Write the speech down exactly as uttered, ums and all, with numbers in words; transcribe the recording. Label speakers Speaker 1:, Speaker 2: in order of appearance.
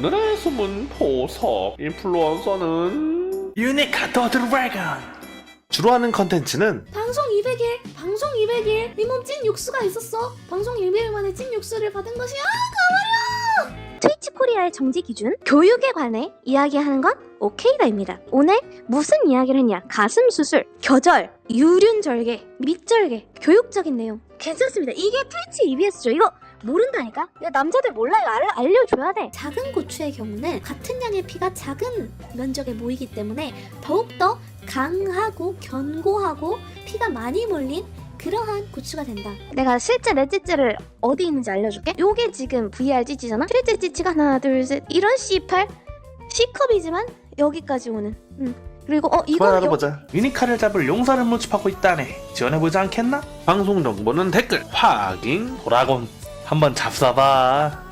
Speaker 1: 오늘의 숨은 보석 인플루언서는
Speaker 2: 유니카 더 드래곤.
Speaker 3: 주로 하는 컨텐츠는
Speaker 4: 방송 이백 일, 방송 이백 일, 네 몸 찐 육수가 있었어. 방송 이백 일 만에 찐 육수를 받은 것이야. 가버려!
Speaker 5: 트위치 코리아의 정지 기준, 교육에 관해 이야기하는 건 오케이다입니다. 오늘 무슨 이야기를 했냐? 가슴 수술, 겨절, 유륜절개, 밑절개, 교육적인 내용. 괜찮습니다. 이게 트위치 이비에스죠. 이거 모른다니까? 야, 남자들 몰라. 이거 알, 알려줘야 돼.
Speaker 4: 작은 고추의 경우는 같은 양의 피가 작은 면적에 모이기 때문에 더욱더 강하고 견고하고 피가 많이 몰린 그러한 고추가 된다.
Speaker 5: 내가 실제 내 찌찌를 어디 있는지 알려줄게. 요게 지금 브이알 찌찌잖아. 실제 찌찌가 하나 둘셋 이런 씨팔 C컵이지만 여기까지 오는. 응. 그리고 어 이거
Speaker 3: 그만 알아보자.
Speaker 2: 유니카를 잡을 용사를 모집하고 있다네. 지원해보지 않겠나?
Speaker 3: 방송 정보는 댓글 확인.
Speaker 2: 도라곤 한번 잡숴봐.